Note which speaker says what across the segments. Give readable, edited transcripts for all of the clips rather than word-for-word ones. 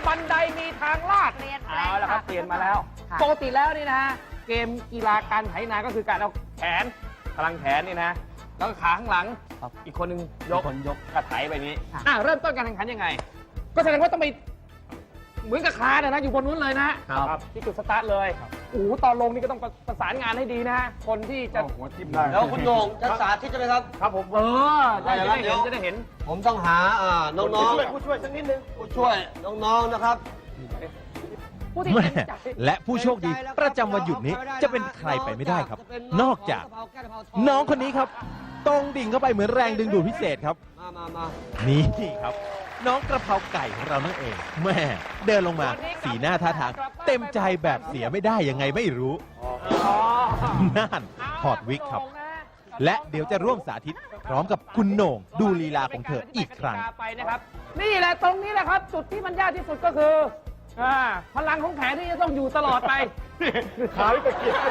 Speaker 1: บันไดมีทางลาด
Speaker 2: เปลี่ยนแปลง
Speaker 1: เอาละครับ
Speaker 2: ค่ะ
Speaker 1: เปลี่ยนมาแล้ว
Speaker 2: ค่ะ
Speaker 1: ปกติแล้วนี่นะฮะเกมกีฬาการไถนาก็คือการเอาแขนพลังแขนนี่นะแล้วก็ขาข้างหลังอีกคนนึงยกกระไถไปนี้เริ่มต้นการแข่งขันยังไง ก็แสดงว่าต้องไปเหมือนกับคาเนี่ยนะอยู่บนนู้นเลยนะครับที่จุดสตาร์ทเลยโอ้โหตอนลงนี่ก็ต้องประสานงานให้ดีนะฮะคนที่จะหัวทิ่มได้
Speaker 3: แล้วคุณโหน่งจะสาธิตใช่ไหมครับ
Speaker 1: ครับผมจะได้เห็น
Speaker 3: ผมต้องหาน้องๆ
Speaker 1: ผู้ช่วยสักนิดนึง
Speaker 3: ผู้ช่วยน้องๆนะครับ
Speaker 1: ผู้ที่
Speaker 4: แม่
Speaker 1: เต็มใจ
Speaker 4: และผู้โชคดีประจำวันหยุดนี้จะเป็นใครไปไม่ได้ครับ นอกจากน้องคนนี้ครับตรงดิ่งเข้าไปเหมือนแรงดึงดูดพิเศษครับ
Speaker 3: มา
Speaker 4: นี่ครับ น้องกระเพราไก่ของเรานั่นเองแม่เดินลงมาสีหน้าท่าทางเต็มใจแบบเสียไม่ได้ยังไงไม่รู้น่านถอดวิกครับ และเดี๋ยวจะร่วมสาธิตพร้อมกับคุณโหน่งดูลีลาของเธออีกครั้ง
Speaker 1: ไปนะครับนี่แหละตรงนี้แหละครับ จุดที่มันยากที่สุดก็คือพลังของแขนที่จะต้องอยู่ตลอดไปขาที่ตะเกียบ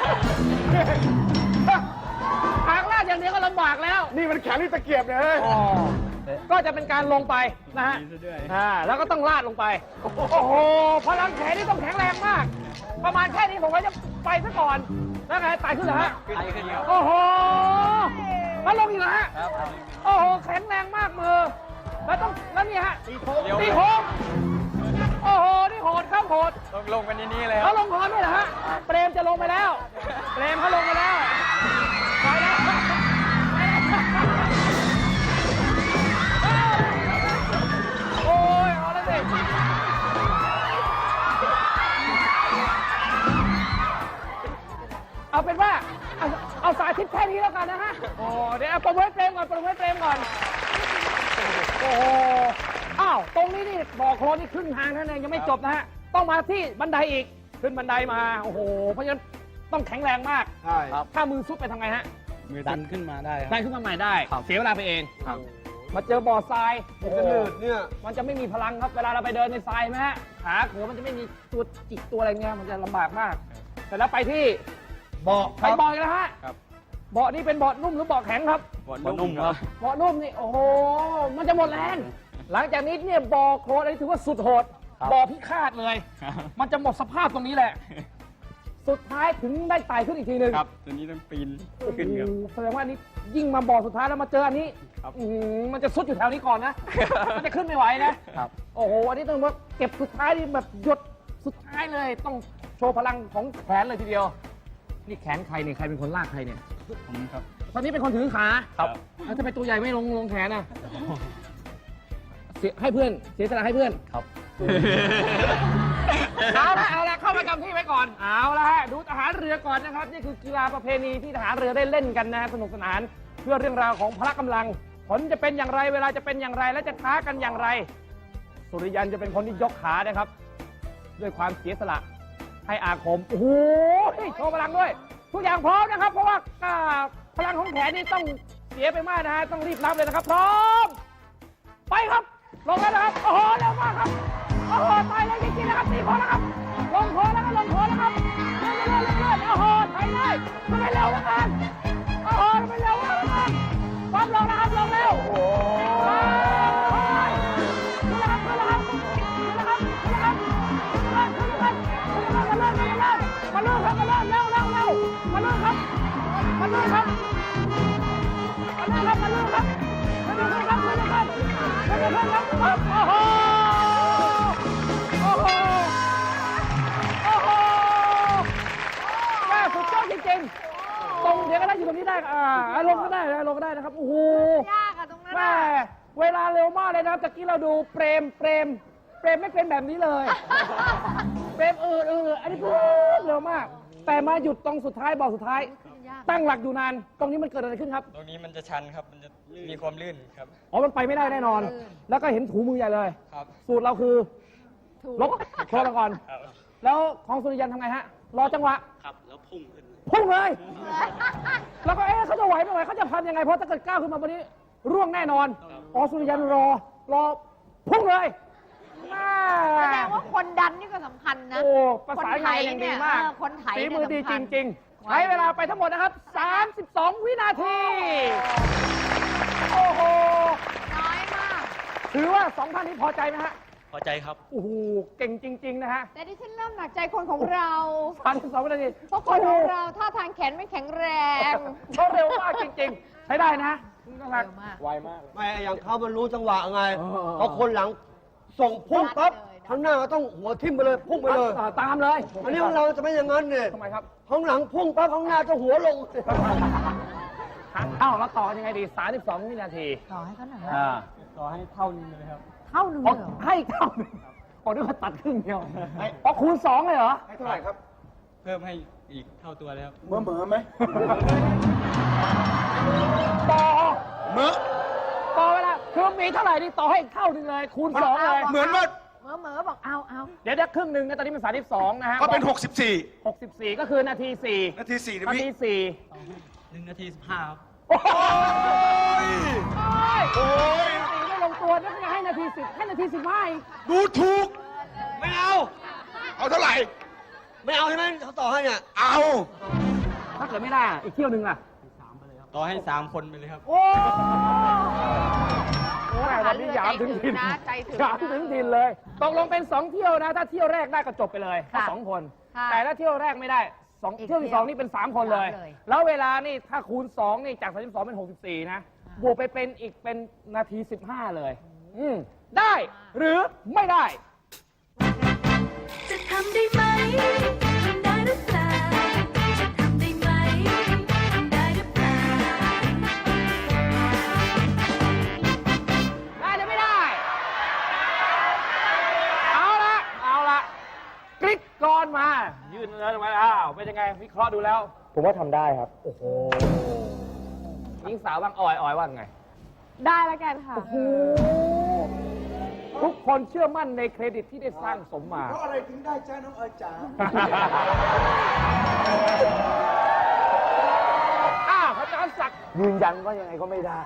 Speaker 1: ทางลาดอย่างเดียวก็ลำบากแล้วนี่มันแขนที่ตะเกียบเลยก็จะเป็นการลงไปนะฮะแล้วก็ต้องลาดลงไปโอ้โหพลังแขนนี่ต้องแข็งแรงมาก ประมาณแค่นี้ผมว่าจะไปซะก่อนแล้วไงไต่ขึ้นเหรอฮะโอ้โหแล้วลงอีกเหรอฮะโอ้โหแข็งแรงมากมือแล้วนี่ฮะตีโค้งโอ้โหนี่โหดครับโหดลงกันนี่เลยเขาลงพร้อมไหมเหรอฮะเปรมจะลงไปแล้วเปรมเขาลงไปแล้วไปแล้วโอ้ยเอาแล้วสิเอาเป็นว่าเอาสาธิตแค่นี้แล้วกันนะฮะโอ้เดี๋ยวประเมินเฟรมก่อนโอ้โหอ้าวตรงนี้นี่บ่อโคลนนี่ครึ่งทางเท่านั้นเองยังไม่จบนะฮะต้องมาที่บันไดอีกขึ้นบันไดมาโอ้โหเพราะฉะนั้นต้องแข็งแรงมาก
Speaker 3: ใช่
Speaker 1: ถ้ามือซุดไปทำไงฮะ
Speaker 5: มือดันขึ้นมาได้ครับ
Speaker 1: ได้ขึ้นมาใหม่ได้เสียเวลาไปเองมาเจอบ่อทรายโอ้โห
Speaker 3: จะหนืดเนี่ย
Speaker 1: มันจะไม่มีพลังครับเวลาเราไปเดินในทรายไหมฮะขาเขือมันจะไม่มีตัวจิกตัวอะไรเงี้ยมันจะลำบากมากแต่แล้วไปที่
Speaker 3: เบาะ
Speaker 1: ไปบ่ออีกแล้วฮะเบาะนี่เป็นเบาะนุ่มหรือเบาะแข็งครับ
Speaker 5: บอลนุ่มครับ
Speaker 1: เบาะนุ่มนี่โอ้โหมันจะหมดแรงหลังจากนี้เนี่ยบ่อโคลนอันนี้ถือว่าสุดโหดบ่อพิฆาตเลย มันจะหมดสภาพตรงนี้แหละ สุดท้ายถึงได้ไต่ขึ้นอีกทีหนึ่ง
Speaker 5: ครับ ตัวนี้ต้องปีนขึ้นครับ
Speaker 1: โอ้โหแสดงว่านี่ยิ่งมาบ่อสุดท้ายแล้วมาเจออันนี้มันจะสุดอยู่แถวนี้ก่อนนะ มันจะขึ้นไม่ไหวนะโอ้โหอันนี้ต้องว่าเก็บสุดท้ายนี่แบบหยดสุดท้ายเลย ต้องโชว์พลังของแขนเลยทีเดียว นี่แขนใครเนี่ยใครเป็นคนลากใครเนี่ย
Speaker 5: ผมครับ
Speaker 1: ตอนนี้เป็นคนถือขา
Speaker 5: ครับ
Speaker 1: แล้วจะไปตัวใหญ่ไม่ลงแขนอ่ะให้เพื่อนเสียสละให้เพื่อน
Speaker 5: ครับ
Speaker 1: เอาละเข้าประจำที่ไว้ก่อนเอาละฮะดูทหารเรือก่อนนะครับนี่คือกีฬาประเพณีที่ทหารเรือได้เล่นกันนะสนุกสนานเพื่อเรื่องราวของพละกำลังผลจะเป็นอย่างไรเวลาจะเป็นอย่างไรและจะท้ากันอย่างไร สุริยันจะเป็นคนที่ยกขานะครับ ด้วยความเสียสละให้อาคมโอ้โหโชว์พลังด้วย ทุกอย่างพร้อมนะครับ เพราะว่าพลังของแขนนี่ต้องเสียไปมากนะฮะต้องรีบรับเลยนะครับพร้อมไปครับลงแล้วนะครับโอ้โหเร็วมากครับโอ้โหตายเลยจริงๆนะครับตีโค้งแล้วครับลงโค้งแล้วก็ลงโค้งแล้วครับเรื่อยโอ้โหไถเลยทำไมเร็วเหลือเกินโอ้โหทำไมเร็วเหลือเกินความลงนะครับลงเร็วโอ้โหขึ้นแล้วครับมาลื่นครับมาลื่นครับเร็วมาลื่นครับโอ้โหแม่สุดยอดจริงๆตรงเดี๋ยวก็ได้อยู่ตรงนี้ได้ลงก็ได้นะครับโอ้โห
Speaker 2: ยากอะตรงนั้น
Speaker 1: แม่เวลาเร็วมากเลยนะครับตะกี้เราดูเปรมไม่เป็นแบบนี้เลยเปรมอันนี้เร็วมาก แต่มาหยุดตรงสุดท้ายบอกสุดท้าย ตั้งหลักอยู่นานตรงนี้มันเกิดอะไรขึ้นครับ
Speaker 5: ตรงนี้มันจะชันครับ มันจะมีความลื่นครับ
Speaker 1: อ๋อมันไปไม่ได้แน่นอน แล้วก็เห็นถูมือใหญ่เลย
Speaker 5: ครับ
Speaker 1: สูตรเราคือลบโคลนก่อน
Speaker 5: ครับ
Speaker 1: แล้วของสุริยันทำไงฮะ รอจังหวะ
Speaker 5: ครับ แล้วพุ่งขึ้น
Speaker 1: พุ่งเลย แล้วก็เขาจะไหวไม่ไหวเขาจะพันยังไง เพราะถ้าเกิดก้าวขึ้นมาวันนี้ร่วงแน่นอนอ๋อสุริยันรอพุ่งเลย
Speaker 2: แสดงว่าคนดันนี่ก็สำคัญนะ
Speaker 1: โอ้ประสานงานอย่างดีมาก
Speaker 2: คนไถ
Speaker 1: ฝี
Speaker 2: เนี่ย
Speaker 1: มือดีจ
Speaker 2: สำคัญ
Speaker 1: ริงๆ ใช้เวลาไปทั้งหมดนะครับ 32 วินาที โอ้โห
Speaker 2: น้อยมาก
Speaker 1: ถือว่า2ท่านนี้พอใจไหมฮะ
Speaker 5: พอใจครับ
Speaker 1: โอ้โหเก่งจริง ๆ นะฮะ
Speaker 2: แต่ดิฉันเริ่มหนักใจคนของเรา
Speaker 1: 32 วินาที
Speaker 2: เพราะคนของเราท่าทางแขนไม่แข็งแรง
Speaker 1: เขาเร็วมากจริง ๆ ใช้ได้นะน่ารัก
Speaker 2: เร็วมาก
Speaker 1: ไวมาก
Speaker 3: ไม่อย่างเขามันรู้จังหวะไง
Speaker 1: เออ
Speaker 3: พอคนหลังส่งพุ่งปั๊บ
Speaker 2: ได้เลย
Speaker 3: ข้างหน้าก็ต้องหัวทิ่มไปเลยพุ่งไปเลย
Speaker 1: ตามเลย
Speaker 3: อันนี้ของเราจะไม่อย่างนั้นเนี่ย
Speaker 1: ทำไมครับ
Speaker 3: ข้างหลังพุ่งปั๊บข้างหน้าจะหัวลง
Speaker 1: เอ้าแล้วต่อยังไงดี 32 วินาที
Speaker 2: ต่อให้เขาหน่อย
Speaker 1: อ่า
Speaker 5: ต่อให้เท่านึงเลยครับ
Speaker 2: เท่านึง
Speaker 1: อ๋อ
Speaker 2: เลยเหรอ
Speaker 1: ให้เท่าหนึ่งอ๋อนึกว่าตัดครึ่งเดียวอ๋อคูณ 2 เลยเหรอ
Speaker 5: ให้เท่าไหร่ครับ เพิ่มให้อีกเท่าตัวเลยครับ
Speaker 1: ต่อ
Speaker 6: เมื่อ
Speaker 1: ต่อเวลาคือมีเท่าไหร่นี่ต่อให้อีกเท่าหนึงเลย คูณ 2 เลย
Speaker 6: เหมือนว่า
Speaker 2: เหมือบอกเอา
Speaker 1: เดี๋ยวครึ่งหนึ่งนะตอนนี้เป็น32 นะฮะ
Speaker 6: ก็เป็น
Speaker 1: 64 ก็คือนาที 4
Speaker 6: นาที4นะ
Speaker 1: นา
Speaker 6: พี่
Speaker 1: ที
Speaker 5: 1 นาที 15 ครับ
Speaker 1: 4 โอ้ย
Speaker 6: โอ้ย
Speaker 1: ตีไม่ลงตัวนั่นให้นาที 10 ให้นาที 15อีก
Speaker 6: ดูถูก
Speaker 3: ไม่เอา
Speaker 6: เอาเท่าไหร่
Speaker 3: ไม่เอาใช่ไหมเขาต่อให้เนี่ย
Speaker 6: เอา
Speaker 1: ถ้าเกิดไม่ได้อีกเที่ยวหนึ่งล่ะ
Speaker 5: ต่อให้ 3 คนไปเลยครับ
Speaker 1: โอ้โหวันนี้หยามถึงถิ่น
Speaker 2: นะใจถึง
Speaker 1: หยามถึงถิ่นเลย ตกลงเป็น 2 เที่ยวนะ ถ้าเที่ยวแรกได้ก็จบไปเลยแค่
Speaker 2: ค่ะ
Speaker 1: 2 คน
Speaker 2: ค่ะ
Speaker 1: แต่ถ้าเที่ยวแรกไม่ได้
Speaker 2: อีก
Speaker 1: เที่ยวที่ 2 นี่เป็น 3 คนเลย
Speaker 2: 3เลย
Speaker 1: แล้วเวลานี่ถ้าคูณ 2 นี่จาก 32 เป็น 64 นะ บวกไปเป็นอีกเป็นนาที 15 เลย ได้หรือไม่ได้
Speaker 7: จะทำได้ไหม ทำได้หรือเปล่า จะทำได้ไหม ทำได้หรือเปล่า
Speaker 1: ได้หรือไม่ได้ เอาละกริ๊กกรมา ยืนเนินมาอ้าวเป็นยังไง วิเคราะห์ดูแล้ว ผมว่าทำได้ครับ โอ้โหหญิงสาวบ้างออยว่าไง
Speaker 2: ได้แล้วกันค่ะ
Speaker 1: ทุกคนเชื่อมั่นในเครดิตที่ได้สร้างสมมา
Speaker 6: เพราะอะไรถึงได้จ้าน้องเอ๋ยจ๋า
Speaker 1: พระอาจารย์ศักดิ์ยืนยันว่ายังไงก็ไม่ได้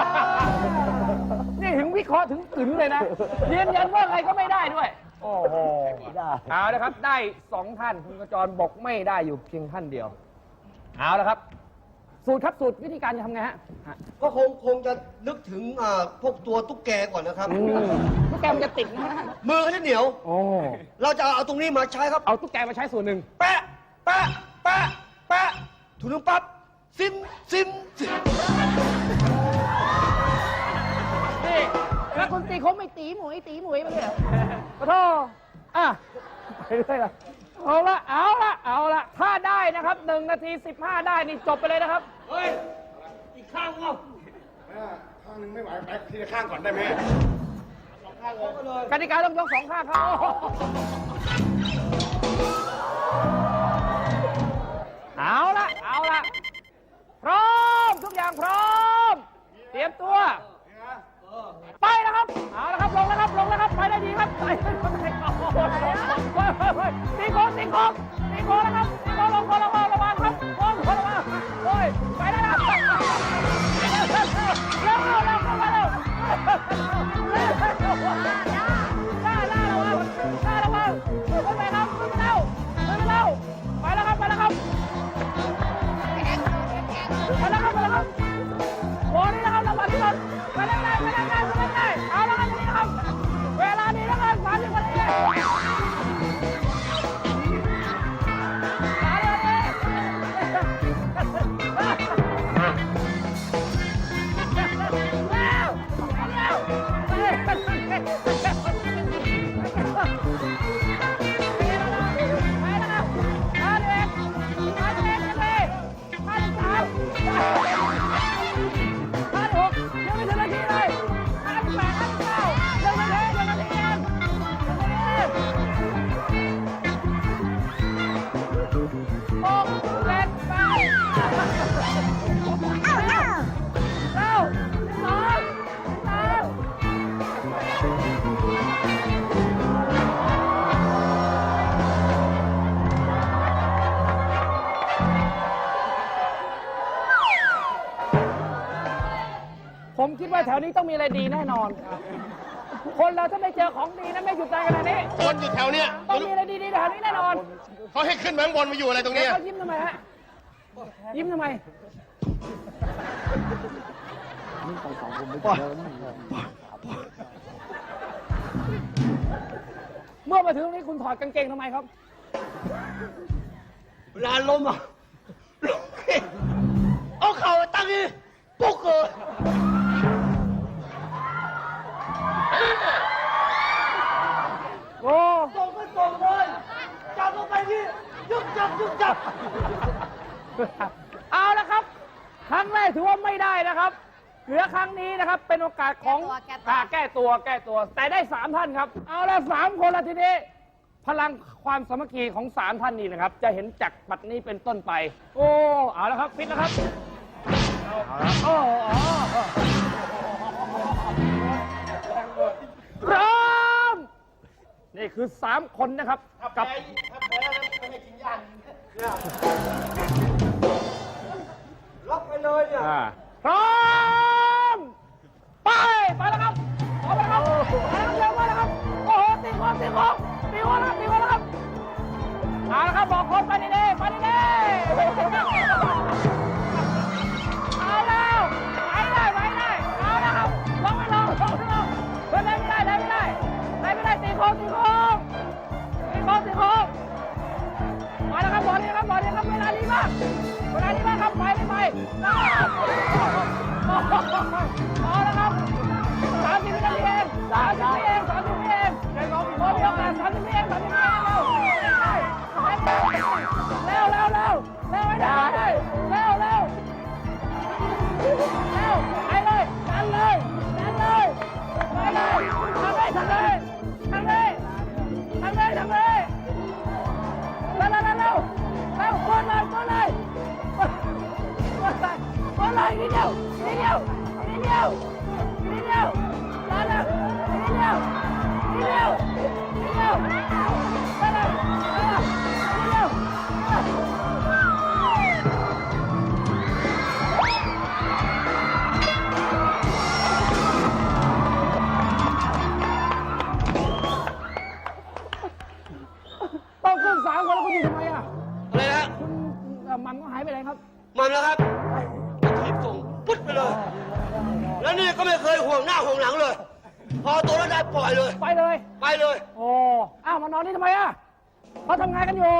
Speaker 1: นี่ถึงวิเคราะห์ถึงถึงเลยนะ ยืนยันว่าไงก็ไม่ได้ด้วย โอ้โหได้เอาละครับ ได้ 2 ท่าน คุณกระจรบอกไม่ได้อยู่เพียงท่านเดียว เอาละครับ สูตรครับสูตรวิธีการจะทำไงฮะ
Speaker 3: ก็คงจะนึกถึงพวกตัวตุ๊กแกก่อนนะครับ
Speaker 1: ตุ๊กแกมันจะติดนะ
Speaker 3: มือเขาจะเหนียว
Speaker 1: โอ้
Speaker 3: เราจะเอาตรงนี้มาใช้ครับ
Speaker 1: เอาตุ๊กแกมาใช้ส่วนหนึ่ง
Speaker 3: แปะ แปะ แปะ แปะถูนึงปั๊บ ซิม ซิม ซิม
Speaker 1: นี่แล้วคุณตีเขาไม่ตีหมวยมาเลยเหรอขอโทษอ่ะไปเรื่อยละเอาละ ถ้าได้นะครับ1 นาที 15 ได้นี่จบไปเลยนะครับ
Speaker 3: เฮ้ย อีกข้างเอา
Speaker 6: ข้างหนึงไม่ไหวไปทีละข้างก่อนได้ไหม
Speaker 1: กติกาต้องยก2 ข้างครับเอาละพร้อมทุกอย่างพร้อม เตรียมตัว ไปแล้วครับ เอาละครับ ลงแล้วครับ ไปได้ดีครับ ไปตีโค้งแล้วครับตีโค้งลงระวังครับโค้งระวังโอ้ยไปได้แล้วเร็วมาเร็วหน้าระวังขึ้นไปครับขึ้นเร็วไปแล้วครับโอ้นี่นะครับระวังที่รถไปได้เอาละครับนี่ครับเวลานี้นะครับ30 นาทีผมคิดว่าแถวนี้ต้องมีอะไรดีแน่นอน คนเราถ้าไม่เจอของดีนะไม่หยุดใจขนาดนี้
Speaker 6: คนอยู่แถวเนี้ย
Speaker 1: ต้องมีอะไรดีๆแถวนี้แน่นอน
Speaker 6: เขาให้ขึ้นมาข้างบนมาอยู่อะไรตรงเนี้ย
Speaker 1: เขายิ้มทำไมฮะ ยิ้มทำไม
Speaker 3: ป
Speaker 1: วมาถึงตรงนี้คุณถอดกางเกงทำไมครับ
Speaker 3: เวลาล้มอ่ะล้มเอาเข่าตั้งนี่ปุ๊กเลย
Speaker 1: โอ้
Speaker 3: ส่งก็ส่งเลยจับลงไปนี่ยึกจับยึกจับ
Speaker 1: เอาละครับ ครั้งแรกถือว่าไม่ได้นะครับเหลือครั้งนี้นะครับ เป็นโอกาสของแก้ตัว แต่ได้ 3 ท่านครับ เอาละ3 คนละทีนี้ พลังความสามัคคีของ 3 ท่านนี้นะครับ จะเห็นจากบัดนี้เป็นต้นไป โอ้ เอาละครับฟิตแล้วครับโอ้พร้อม นี่คือ 3 คนนะครับ กับ
Speaker 3: ล็อกไปเลยเนี่ย
Speaker 1: พร้อม ไปแล้วครับไปแล้วครับเร็วมาแล้วครับ โอ้โหตีโค้งแล้วครับเอาละครับบอกคนไปดีๆเอาแล้วไปได้เอาแล้วครับลงไม่ลงเฮ้ยไม่ได้ตีโค้งมาแล้วครับบอลนี่ครับเวลาดีมากครับไปเอาแล้วครับ30 วินาทีเอง30 วิเองบอลมีโอกาส30 วิเองเร็วไม่ได้เร็วไปเลยดันเลยไปเลยทำเลยเร็วกดเลยนิดเดียวมาแล้วนิดเดียวต้องขึ้น3 คนแล้วคุณอยู่ทำไมอ่ะ
Speaker 3: อะไรนะ
Speaker 1: มันก็หายไปไหนครับ
Speaker 3: มันแล้วครับถีบส่งปุ๊ดไปเลย แล้วนี่ก็ไม่เคยห่วงหน้าห่วงหลังเลย พอตัวแล้วได้ปล่อยเลย
Speaker 1: ไปเลย
Speaker 3: โอ้
Speaker 1: อ้าวมานอนนี่ทำไมอ่ะเขาทำงานกันอยู่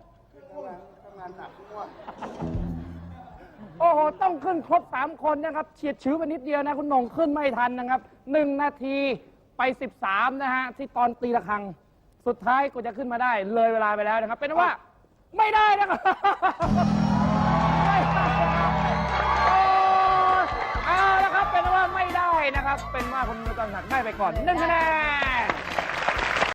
Speaker 1: โอ้โหต้องขึ้นครบ3 คนนะครับเฉียดชื้อไปนิดเดียวนะคุณหน่งขึ้นไม่ทันนะครับ1 นาทีไป 13นะฮะที่ตอนตีระฆังสุดท้ายก็จะขึ้นมาได้เลยเวลาไปแล้วนะครับเป็นว่าไม่ได้นะครับเอาละครับเป็นว่าไม่ได้นะครับเป็นว่าคุณมือตอนหักได้ไปก่อน1 คะแนน